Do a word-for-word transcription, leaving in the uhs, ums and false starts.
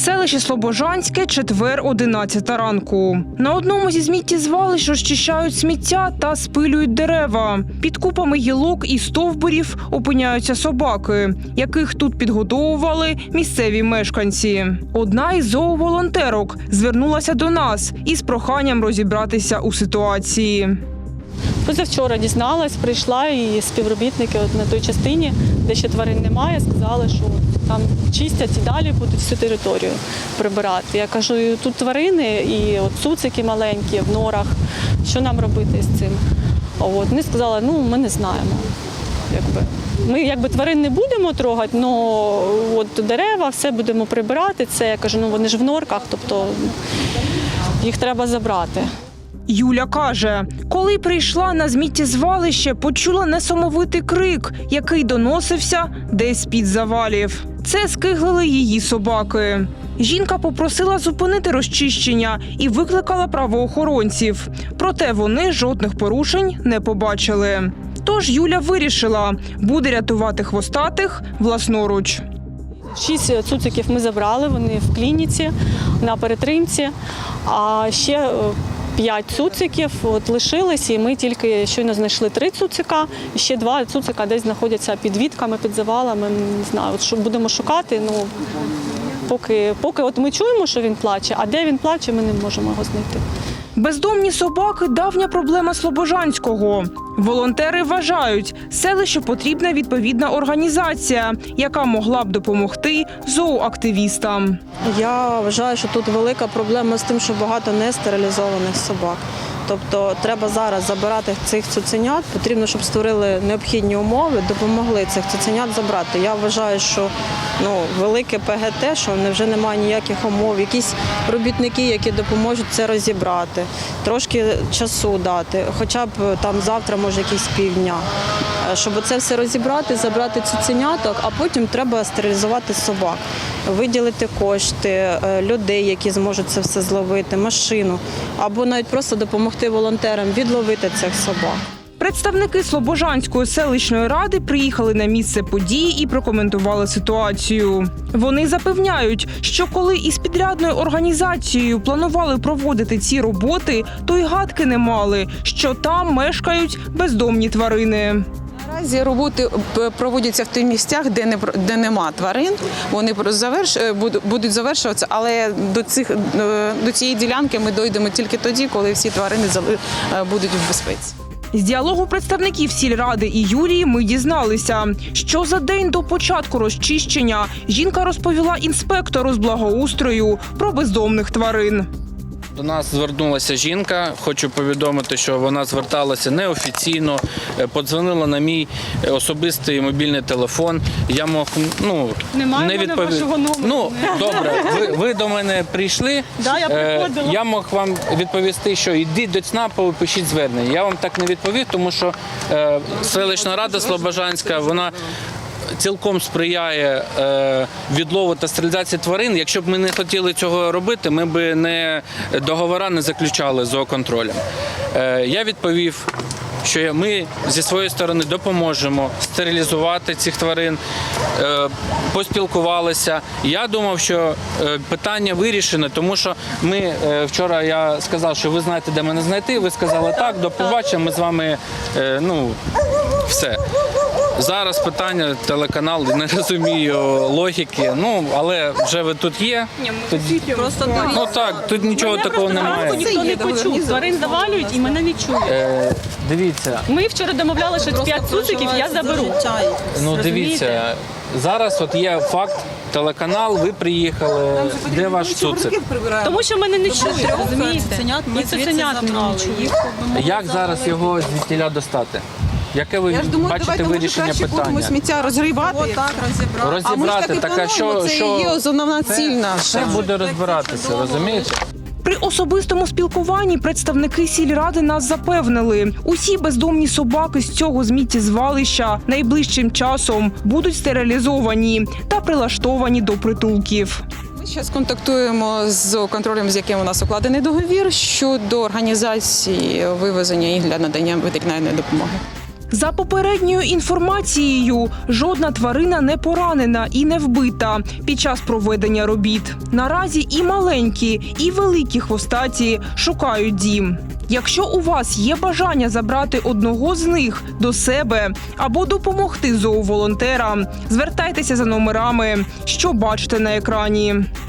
Селище Слобожанське, четвер, одинадцята ранку. На одному зі сміттєзвалищ розчищають сміття та спилюють дерева. Під купами гілок і стовбурів опиняються собаки, яких тут підгодовували місцеві мешканці. Одна із зооволонтерок звернулася до нас із проханням розібратися у ситуації. Позавчора дізналась, прийшла і співробітники от на той частині, де ще тварин немає, сказали, що там чистять і далі будуть всю територію прибирати. Я кажу, тут тварини і от цуцики маленькі в норах, що нам робити з цим? От. Вони сказали, ну ми не знаємо. Якби. Ми якби тварин не будемо трогати, але дерева, все будемо прибирати. Це, я кажу, ну вони ж в норках, тобто їх треба забрати. Юля каже, коли прийшла на сміттєзвалище, почула несамовитий крик, який доносився десь з-під завалів. Це скиглили її собаки. Жінка попросила зупинити розчищення і викликала правоохоронців. Проте вони жодних порушень не побачили. Тож Юля вирішила, буде рятувати хвостатих власноруч. Шість цуциків ми забрали, вони в клініці, на перетримці, а ще п'ять цуциків от лишились, і ми тільки щойно знайшли три цуцика, і ще два цуцика десь знаходяться під вітками, під завалами, не знаю, от що будемо шукати, ну, поки, поки от ми чуємо, що він плаче, а де він плаче, ми не можемо його знайти. Бездомні собаки – давня проблема Слобожанського. Волонтери вважають, селищу потрібна відповідна організація, яка могла б допомогти зооактивістам. Я вважаю, що тут велика проблема з тим, що багато нестерилізованих собак. Тобто треба зараз забирати цих цуценят, потрібно, щоб створили необхідні умови, допомогли цих цуценят забрати. Я вважаю, що ну, велике ПГТ, що вже немає ніяких умов, якісь робітники, які допоможуть це розібрати, трошки часу дати, хоча б там завтра, може, якісь півдня, щоб це все розібрати, забрати цуценяток, а потім треба стерилізувати собак, виділити кошти, людей, які зможуть це все зловити, машину, або навіть просто допомогти волонтерам відловити цих собак. Представники Слобожанської селищної ради приїхали на місце події і прокоментували ситуацію. Вони запевняють, що коли із підрядною організацією планували проводити ці роботи, то й гадки не мали, що там мешкають бездомні тварини. Наразі роботи проводяться в тих місцях, де не де нема тварин. Вони заверш будуть завершуватися, але до цих до цієї ділянки ми дійдемо тільки тоді, коли всі тварини будуть в безпеці. З діалогу представників сільради і Юлії ми дізналися, що за день до початку розчищення жінка розповіла інспектору з благоустрою про бездомних тварин. До нас звернулася жінка, хочу повідомити, що вона зверталася неофіційно, подзвонила на мій особистий мобільний телефон. Я мог, ну, Немає не відповів... вашого номеру. Ну, добре, ви, ви до мене прийшли, да, я приходила. я мог вам відповісти, що йдіть до ЦНАПу, пишіть звернення. Я вам так не відповів, тому що е, селищна рада Слобожанська, вона цілком сприяє е, відлову та стерилізації тварин. Якщо б ми не хотіли цього робити, ми б не договори не заключали з зооконтролем. Е, я відповів, що ми зі своєї сторони допоможемо стерилізувати цих тварин, е, поспілкувалися. Я думав, що е, питання вирішене, тому що ми е, вчора я сказав, що ви знаєте, де мене знайти. Ви сказали так, до побачення, ми з вами, е, ну, все. Зараз питання, телеканал, не розумію логіки, ну, але вже ви тут є. Тут, Просто ну так, тут нічого такого немає. Ніхто не почув, тварин завалюють і мене не чують. Е, дивіться. Ми вчора домовлялися, що п'ять цуциків я заберу. Ну дивіться, зараз от є факт, телеканал, ви приїхали, де ваш цуцик? Тому що мене не чують, розумієте? І цуценят не чують. Як зараз його звідтіля достати? Яке ви бачите вирішення питання? Сміття розгрібати, Отак розібрати. Розібрати, так а що, це що є основна ціль наша. все буде розбиратися, розумієте? При особистому спілкуванні представники сільради нас запевнили, усі бездомні собаки з цього сміттєзвалища найближчим часом будуть стерилізовані та прилаштовані до притулків. Ми зараз контактуємо з контролем, з яким у нас укладений договір щодо організації вивезення їх для надання ветеринарної допомоги. За попередньою інформацією, жодна тварина не поранена і не вбита під час проведення робіт. Наразі і маленькі, і великі хвостаті шукають дім. Якщо у вас є бажання забрати одного з них до себе або допомогти зооволонтерам, звертайтеся за номерами, що бачите на екрані.